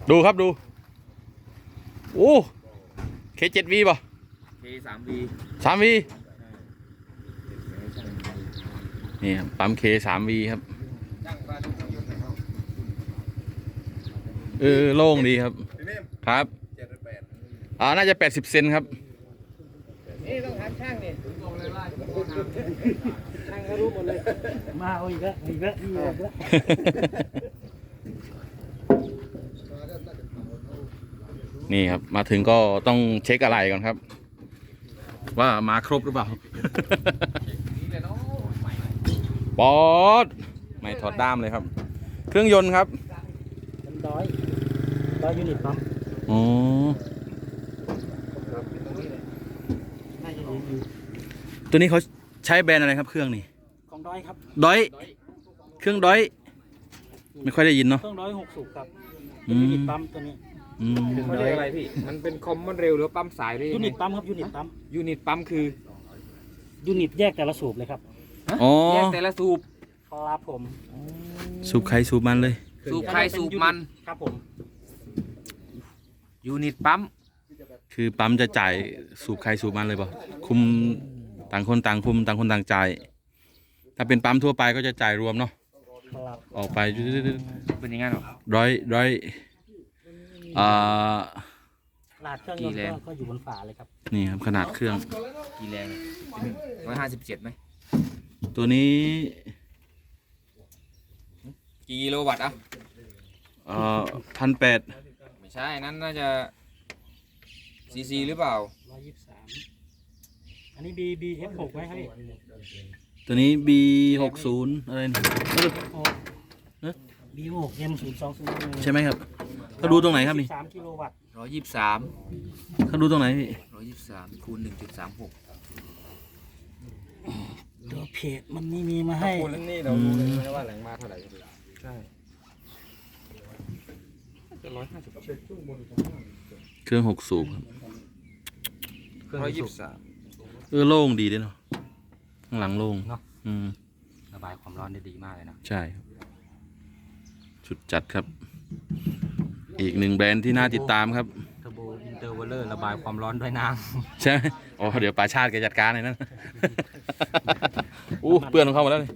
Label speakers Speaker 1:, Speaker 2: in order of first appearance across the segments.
Speaker 1: ดูครับดูโอ้K7V ป่ะ
Speaker 2: K3V
Speaker 1: 3V นี่ครับปั๊ม K3V ครับโล่งดีครับครับน่าจะ80 เซนครับ
Speaker 3: นี่ต้องถามช่างนี่ช่างเขารู้หมดเลยมาเอาอีกแล้วอีกแล้วอีกแล้ว
Speaker 1: นี่ครับมาถึงก็ต้องเช็คอะไรก่อนครับว่ามาครบหรือเปล่าปอดไม่ถอดด้ามเลยครับเครื่องยนต์ครับ
Speaker 3: มันร้อยยูนิตปั๊ม
Speaker 1: อ๋อตัวนี้เขาใช้แบรนด์อะไรครับเครื่องนี้
Speaker 3: ของด้อยครับ
Speaker 1: ด้อยเครื่องด้อยไม่ค่อยได้ยินเนาะ
Speaker 3: เครื่อง6 สูบครับยูนิตปั๊มตัวนี้
Speaker 2: เขาเรียกอะไรพี่มันเป็นคอมมันเร็วหรือปั๊มสายหรือ
Speaker 3: ยูนิตปั๊มครับยูนิตปั๊ม
Speaker 2: คือ
Speaker 3: ยูนิตแยกแต่ละสูบเลยครับ
Speaker 2: แยกแต่ละสูบ
Speaker 3: ครับผม
Speaker 1: สูบใครสูบมันเลย
Speaker 2: สูบใครสูบมัน
Speaker 3: ครับผม
Speaker 2: ยูนิตปั๊ม
Speaker 1: คือปั๊มจะจ่ายสูบใครสูบมันเลยป่ะคุมต่างคนต่างคุมต่างคนต่างจ่ายถ้าเป็นปั๊มทั่วไปก็จะจ่ายรวมเนาะออกไป
Speaker 2: เป็นยังไงหรอ
Speaker 1: ร้อย
Speaker 3: ขนาดเครื่องยนต์ก็อยู่บนฝาเลยครับ
Speaker 1: นี่ครับขนาดเครื่อง
Speaker 2: กี่แรง157ไหม
Speaker 1: ตัวนี้
Speaker 2: กี่กิโลวัตต์
Speaker 1: 1,800
Speaker 2: ไม่ใช่นั้นน่าจะซีหรือเปล่า
Speaker 3: 123อันนี้ BF6 ไหมครับพี่
Speaker 1: ตัวนี้ B60 อะไรนะ
Speaker 3: B6 M020
Speaker 1: ใช่ไหมครับเขาดูตรงไหนครับนี่
Speaker 3: 3 กิโลวัตต์
Speaker 2: 123
Speaker 1: เขาดูตรงไหนพี่
Speaker 2: 123คูณ 1.36
Speaker 3: ตัวเพจมันนี่มีมาให้
Speaker 2: คูณนี่เราดูเลยว่าแรงมาเท่าไหร่ใช่จะ
Speaker 1: เครื่อง6 สูบ
Speaker 2: 123
Speaker 1: โล่งดีด้วยเนาะข้างหลังโล่ง
Speaker 3: เนาะระบายความร้อนได้ดีมากเลยนะ
Speaker 1: ใช่ชุดจัดครับอีกหนึ่งแบรนด์ที่น่าติดตามครับ
Speaker 3: เทอร์โบอินเตอร์เวลเลอร์ระบายความร้อนด้วยน้
Speaker 1: ำใช่อ๋อเดี๋ยวปาชาติแกจัดการเลยนั่นเปื้อนของเขาหมดแล้วนี่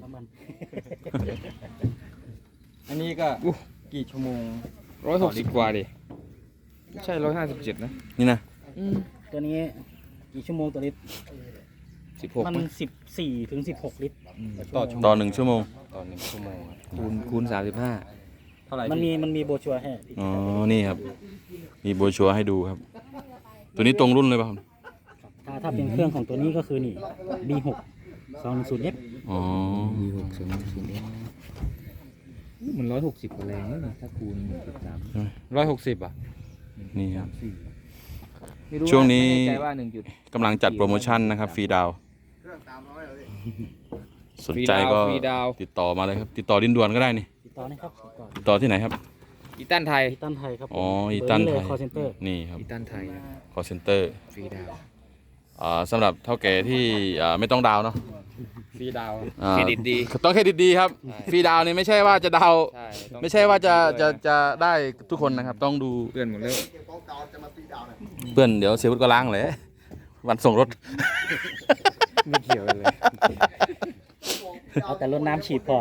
Speaker 2: อันนี้ก็กี่ชั่วโมง160กว่าดิใช่157นะ
Speaker 1: นี่นะ
Speaker 3: ตัวนี้กี่ชั่วโมงตัวลิตร
Speaker 2: 16
Speaker 3: มัน14 ถึง 16 ลิตร
Speaker 1: ต่อ1 ชั่วโมง
Speaker 2: คูณ35เท่าไหร่
Speaker 3: มันมีโบชัวให้
Speaker 1: อ๋อนี่ครับมีโบชัวให้ดูครับตัวนี้ตรงรุ่นเลยป่ะครับ
Speaker 3: ถ้าเป็นเครื่องของตัวนี้ก็คือนี่ B6 210F
Speaker 1: อ๋อ
Speaker 2: B6 210F มัน160กว่าแรงนะถ้าคูณ 1.3 160อ่ะ
Speaker 1: นี่ครับช่วงนี้กำลังจัดโปรโมชั่นนะครับฟรีดาวสนใจก็ติดต่อมาเลยครับติดต่อดินด่วนก็ได้นี่
Speaker 3: ติดต่อนะครับ
Speaker 1: ติดต่อที่ไหนครับ
Speaker 2: อีตันไทย
Speaker 3: ครับ
Speaker 1: อ๋ออีตันไทยนี่ครับ
Speaker 2: อีตันไทย
Speaker 1: คอลเซ็นเตอร์
Speaker 2: ฟรีดาว
Speaker 1: สำหรับเท่าแก่ที่ไม่ต้องดาวเนาะ
Speaker 2: ฟรีดาวเครดิตดี
Speaker 1: ต้องเครดิตดีครับฟรีดาวนี่ไม่ใช่ว่าจะดาวไม่ใช่ว่าจะได้ทุกคนนะครับต้องดู
Speaker 2: เพื่อนหมดเลย
Speaker 1: เพื่อนเดี๋ยวเซลล์ก็ล้างเลยวันส่งรถ
Speaker 2: ไม่เกี่ยวเลย
Speaker 3: เอาแต่รถน้ำฉีดพอ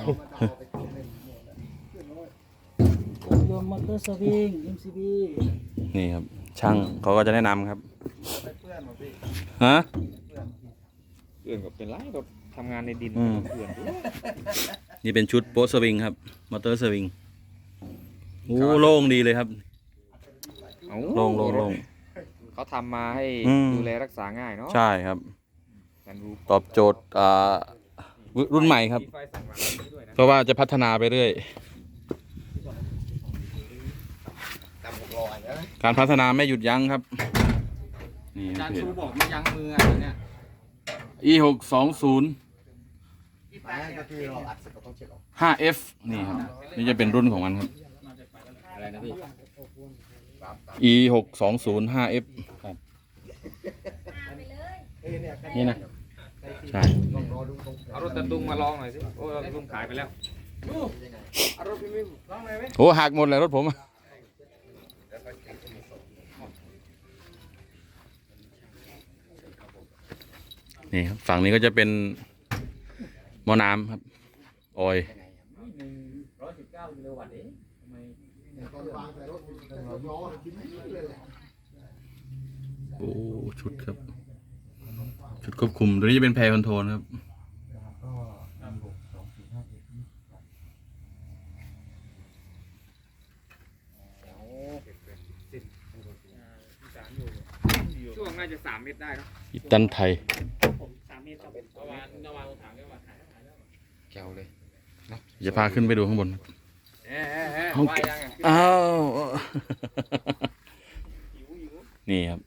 Speaker 3: รวมมอเตอร์สวิง MCB
Speaker 1: นี่ครับช่างเขาก็จะแนะนำครับฮะ
Speaker 2: เพื่อนก็เป็นไรรถทำงานในดินเพื่อน
Speaker 1: นี่เป็นชุดโป๊สวิงครับมอเตอร์สวิงโล่งดีเลยครับโล่ง
Speaker 2: เขาทำมาให้ดูแลรักษาง่ายเนาะ
Speaker 1: ใช่ครับตอบโจทย์รุ่นใหม่ครับเพราะว่าจะพัฒนาไปเรื่อยการพัฒนาไม่หยุดยั้งครับ
Speaker 2: นี่อาจารย์ชูบอกไม่ยั้งมืออะไรเนี่ย
Speaker 1: E620 5F นี่ครับนี่จะเป็นรุ่นของมันครับ
Speaker 2: อะไรนะพี่
Speaker 1: E620 5F ครับนี่นะใช่
Speaker 2: เอารถตันดุงมาลองหน่อยสิโอ้รถตันดุงขายไปแล้ว
Speaker 1: โอ้หักหมดเลยรถผมนี่ครับฝั่งนี้ก็จะเป็นหม้อน้ำครับออยล์
Speaker 2: 119 กิโลวัตต์เองทำไม
Speaker 1: โอ้ชุดครับ ชุดควบคุมตัวนี้จะเป็นแพรคอนโทรลครับ
Speaker 2: ช่วงน่าจะ3 เมตรได้เนอะ
Speaker 1: อิตันไทย
Speaker 3: ผม3 เมตรครับ
Speaker 2: ประมาณถังก็มาแก้วเลย
Speaker 1: จะพาขึ้นไปดูข้างบนครับ
Speaker 2: ว่ายังไง
Speaker 1: อ้าวนี่ครับ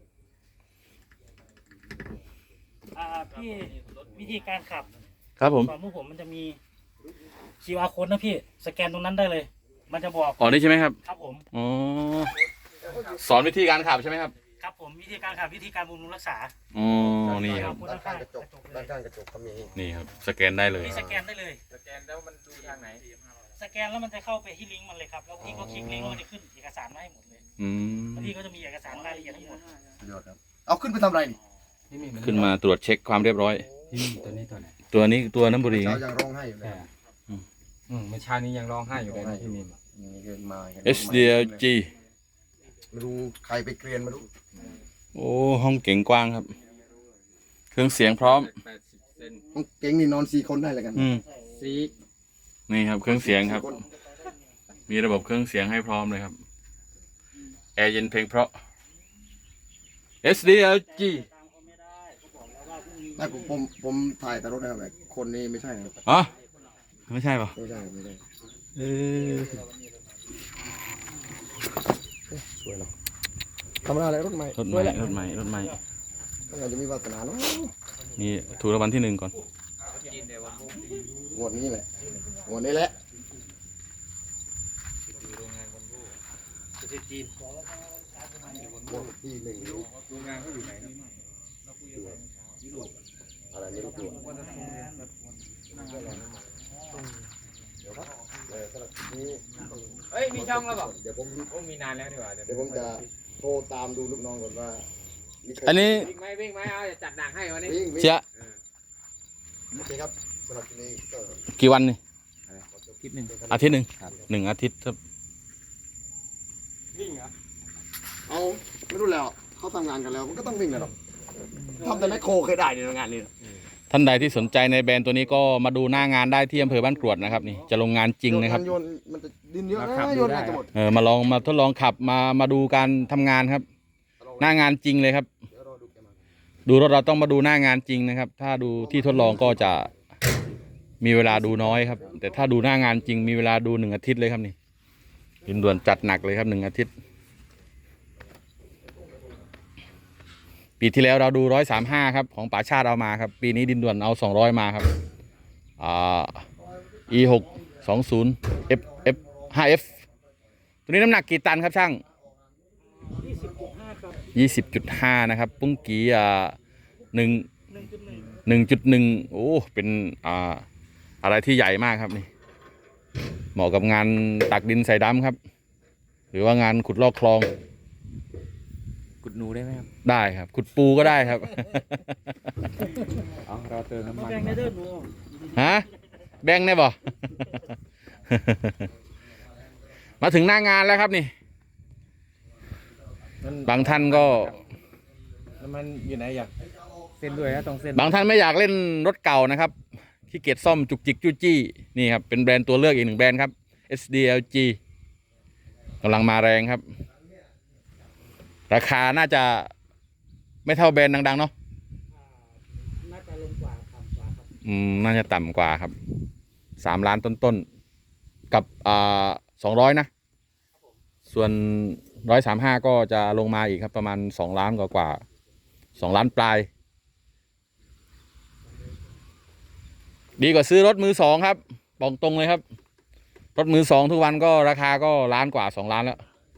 Speaker 3: พี่วิธีการขับ
Speaker 1: ครับผม
Speaker 3: ของพวกผมมันจะมี QR code นะพี่สแกนตรงนั้นได้เลย มันจะบอก
Speaker 1: อ๋อนี่ใช่ไหมครับ
Speaker 3: ครับผม
Speaker 1: อ๋อสอนวิธีการขับใช่ไหมครับ
Speaker 3: ครับผมวิธีการขับวิธีการบำรุงรักษา
Speaker 1: อ๋อนี่ครับ
Speaker 3: ด้านข้างกระจกเลย
Speaker 4: ด้านข้างกระจกก็มี
Speaker 1: นี่ครับสแกนได้เลย
Speaker 3: พี่สแกนได้เลย
Speaker 2: สแกนแล้วมันดูทางไหน
Speaker 3: สแกนแล้วมันจะเข้าไปที่ลิงก์มันเลยครับแล้วพี่ก็คลิกลิงก์แล้วมันจะขึ้นเอกสารมาให้หมดเลย
Speaker 1: อืม
Speaker 3: แล้วพี่ก็จะมีเอกสารรายละเอียดทั้งหมด
Speaker 4: สุดยอดครับ เอาขึ้นไปทำอะไรนี่
Speaker 2: นี่
Speaker 1: ขึ้นมาตรวจเช็คความเรียบร้อย
Speaker 2: ตัวนี้ตัวไหน
Speaker 1: ตัวนี้ตัวน้ำบุรีไง
Speaker 4: เช้ายังร้องไห้อยู่เลย
Speaker 2: เมื่อเช้านี้ยังร้องไห้อยู่เลยนะพี่มิม
Speaker 4: นี่เกินมา
Speaker 1: SDLG
Speaker 4: ไม่รู้ใครไปเกรียนไม่รู้
Speaker 1: โอ้ห้องเก๋งกว้างครับ เครื่องเสียงพร้อม
Speaker 2: 80 เซน
Speaker 4: เก่งนี่นอน4 คนได้เลยกัน
Speaker 1: อืม
Speaker 2: ซี
Speaker 1: นี่ครับเครื่องเสียงครับ
Speaker 4: 4 คน
Speaker 1: มีระบบเครื่องเสียงให้พร้อมเลยครับ แอร์เย็นเพลงเพราะ SDLG
Speaker 4: ไม่ผมถ่ายแต่รถนะครับแต่คนนี้ไม่ใช่นะครับ
Speaker 1: อ๋อไม่ใช่ป่ะ
Speaker 4: ไม่ใช่ไม่ใช่
Speaker 1: เออ
Speaker 4: สวยเนาะทำอะไรรถใหม่
Speaker 1: รถให
Speaker 4: สวย
Speaker 1: ม่
Speaker 4: แหละ
Speaker 1: รถใหม่รถใหม่
Speaker 4: ต้องการจะมีวาสนาเนาะ
Speaker 1: นี่ถูกรางวัลที่ 1ก่อน
Speaker 4: งวดนี้แหละงวดนี้แหละ
Speaker 3: ประเทศจีน
Speaker 4: งวดที่1
Speaker 2: โรงงานเขาอยู่ไหนครับ
Speaker 4: อะไรไม่รู้ตัวเดี๋ยวครับสำหรับคลิปนี้
Speaker 2: เฮ้ยมีช่องแล้วบอก
Speaker 4: เดี๋ยวผม
Speaker 2: โอ้มีนานแล้วดีกว่า
Speaker 4: เดี๋ยวผมจะโทรตามดูลูกน้องก่อนว่ามีใคร
Speaker 1: อันนี้
Speaker 2: วิ่งไหมเอาจะจัดหนังให้วันนี้
Speaker 4: วิ่ง
Speaker 1: เชีย
Speaker 4: โอเคครับสำหรับคลิปนี้ก็
Speaker 1: กี่วันนี่
Speaker 2: คลิปหนึ่ง
Speaker 1: อาทิตย์หนึ่ง
Speaker 2: ครับ
Speaker 1: 1 อาทิตย์ครับ
Speaker 2: วิ่งเหรอ
Speaker 4: เอาไม่รู้แล้วเขาทำงานกันแล้วมันก็ต้องวิ่งเลยหรอกทำแต่แมคโครเคยได้ในงานนี้
Speaker 1: ท่านใดที่สนใจในแบรนด์ตัวนี้ก็มาดูหน้างานได้ที่อำเภอบ้านกรวดนะครับนี่จะลงงานจริงนะครับ
Speaker 4: โยนมันจะดินเยอะนะโยนน่าจะหมด
Speaker 1: มาทดลองขับมาดูการทำงานครับ หน้างานจริงเลยครับ
Speaker 4: เดี๋ยวรอดูแกมา
Speaker 1: ดูรถเราต้องมาดูหน้างานจริงนะครับ ถ้าดูที่ทดลองก็จะมีเวลาดูน้อยครับ แต่ถ้าดูหน้างานจริงมีเวลาดู1 อาทิตย์เลยครับนี่ดินด่วนจัดหนักเลยครับ1 อาทิตย์ ปีที่แล้วเราดู135ครับของป๋าชาติเอามาครับ ปีนี้ดินด่วนเอา200มาครับE620 F 5F ตัวนี้น้ำหนักกี่ตันครับช่าง
Speaker 3: 20.5 ครับ
Speaker 1: 20.5 นะครับ ปุ้งกี้
Speaker 3: 1.1
Speaker 1: 1.1โอ้เป็นอะไรที่ใหญ่มากครับนี่เหมาะกับงานตักดินใส่ดำครับ หรือว่างานขุดลอกคลอง
Speaker 2: กุดหนูได้ไหมครับ
Speaker 1: ได้ครับ ขุดปูก็ได้ครับ
Speaker 2: เอาเราเติมน้ำ
Speaker 3: มา
Speaker 2: มัน
Speaker 3: แบ่งในเด้อหนู
Speaker 1: ฮะแบงค์ได้บ่ มาถึงหน้างานแล้วครับนี่ บางท่านก็
Speaker 2: น้ำมันอยู่ไหนอยากเส้นด้วยนะตรงเส้น
Speaker 1: บางท่านไม่อยากเล่นรถเก่านะครับขี้เกียจซ่อมจุกจิกจู้จี้นี่ครับเป็นแบรนด์ตัวเลือกอีก1 แบรนด์ครับ SDLG กำลังมาแรงครับ ราคาน่าจะไม่เท่าแบรนด์ดังๆเนาะ
Speaker 3: น่าจะลงกว่าต่ำกว่าครับ
Speaker 1: น่าจะต่ำกว่าครับ3 ล้านต้นๆกับ200นะส่วน135ก็จะลงมาอีกครับประมาณ2 ล้านกว่า2 ล้านปลายดีกว่าซื้อรถมือ 2ครับบอกตรงเลยครับรถมือ 2ทุกวันก็ราคาก็1 ล้านกว่า2 ล้านแล้ว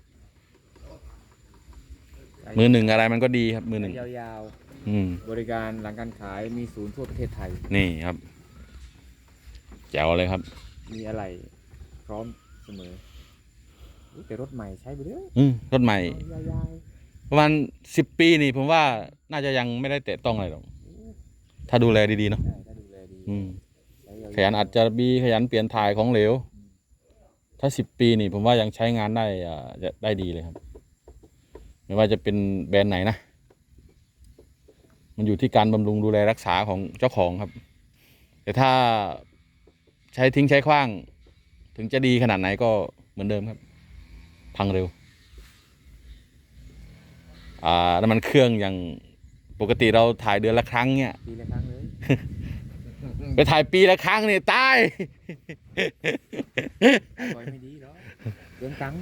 Speaker 1: มือ 1อะไรมันก็ดีครับมือ 1
Speaker 2: ยาว
Speaker 1: ๆ
Speaker 2: ๆ บริการหลังการขายมีศูนย์ทั่วประเทศไทย
Speaker 1: นี่ครับแจ๋วเลยครับ
Speaker 2: มีอะไรพร้อมเสมออุ๊ยแต่รถใหม่ใช้ไปเรื่อย
Speaker 1: รถใหม่
Speaker 2: ยาว
Speaker 1: ประมาณ10 ปีนี่ผมว่าน่าจะยังไม่ได้แตะต้องอะไรหรอก
Speaker 2: ๆ
Speaker 1: ถ้าดูแลดีๆเนาะ
Speaker 2: ใช่ถ้าดูแลดี
Speaker 1: อืม
Speaker 2: ใช้ยาวๆ
Speaker 1: ขยันอัดจาระบีขยันเปลี่ยนถ่ายของเหลว ถ้า10 ปีนี่ผมว่ายังใช้งานได้จะได้ดีเลยครับ ไม่ว่าจะเป็นแบรนด์ไหนนะ มันอยู่ที่การบำรุงดูแลรักษาของเจ้าของครับ แต่ถ้าใช้ทิ้งใช้ขว้าง ถึงจะดีขนาดไหนก็เหมือนเดิมครับ พังเร็ว น้ำมันเครื่องอย่างปกติเราถ่ายเดือนละครั้งเนี่ย
Speaker 2: ปีละครั้งเลย
Speaker 1: ไปถ่ายปีละครั้งเนี่ยตาย
Speaker 2: ปล่อยไม่ดีหรอกเรื่องตังค์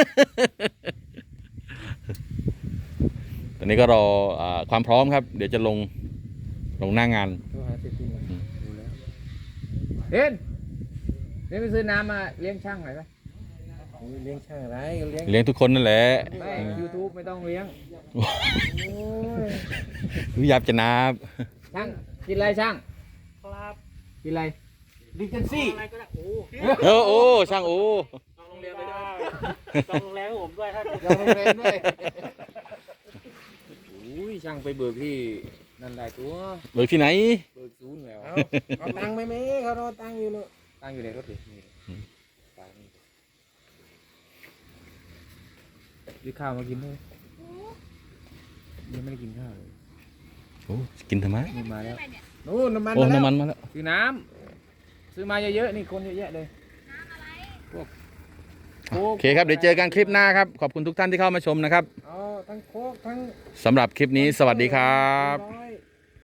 Speaker 1: ตอนนี้ก็รอความพร้อมครับ เดี๋ยวจะลงหน้างาน
Speaker 2: โทรหาเศรษฐีดูแล้วเล่นไปซื้อน้ำมาเลี้ยงช่างหน่อยปะเลี้ยงช่างอะไรเลี้ยง
Speaker 1: เลี้ยงทุกคนนั่นแหละ
Speaker 2: ไม่ YouTube ไม่ต้องเลี้ยงโอ้ย
Speaker 1: รู้ยับจะนับ
Speaker 2: ช่างกินอะไรช่าง
Speaker 3: ครับ
Speaker 2: กินอะไรดิเจนซี่
Speaker 3: อะไรก็ได้โอ้
Speaker 1: โอ้ช่างโอ้
Speaker 3: จองโรงแรมไปด้วยจองโรงแรมให้ผมด้วยถ้า
Speaker 2: เราโรงเรียนด้วยอุ้ยช่างไปเบิกที่นั่นได้ตัว
Speaker 1: เบิกที่ไหน
Speaker 2: เบิกศูนย์แล้วเอาตังค์ไหมแม่เขารอตังค์อยู่เนอะตังค์อยู่ในรถดินี่ตังค์นี่ซื้อข้าวมากินด้วยยังไม่ได้กินข้าวเลย
Speaker 1: โอ้กินทำไม
Speaker 2: นี่มาแล้วนู่นน้ำมัน
Speaker 1: โอ้
Speaker 2: มาแล้ว
Speaker 1: น้ำมันมาแล้ว
Speaker 2: ซื้อน้ำซื้อมาเยอะๆนี่คนเยอะแยะเลยพวกโค้
Speaker 1: โอก เคครับ เดี๋ยวเจอกันคลิปหน้าครับ ขอบคุณทุกท่านที่เข้ามาชมนะครับ
Speaker 2: เอาทั้งโค้กทั้ง
Speaker 1: สำหรับคลิปนี้สวัสดีครับ
Speaker 2: ร้อน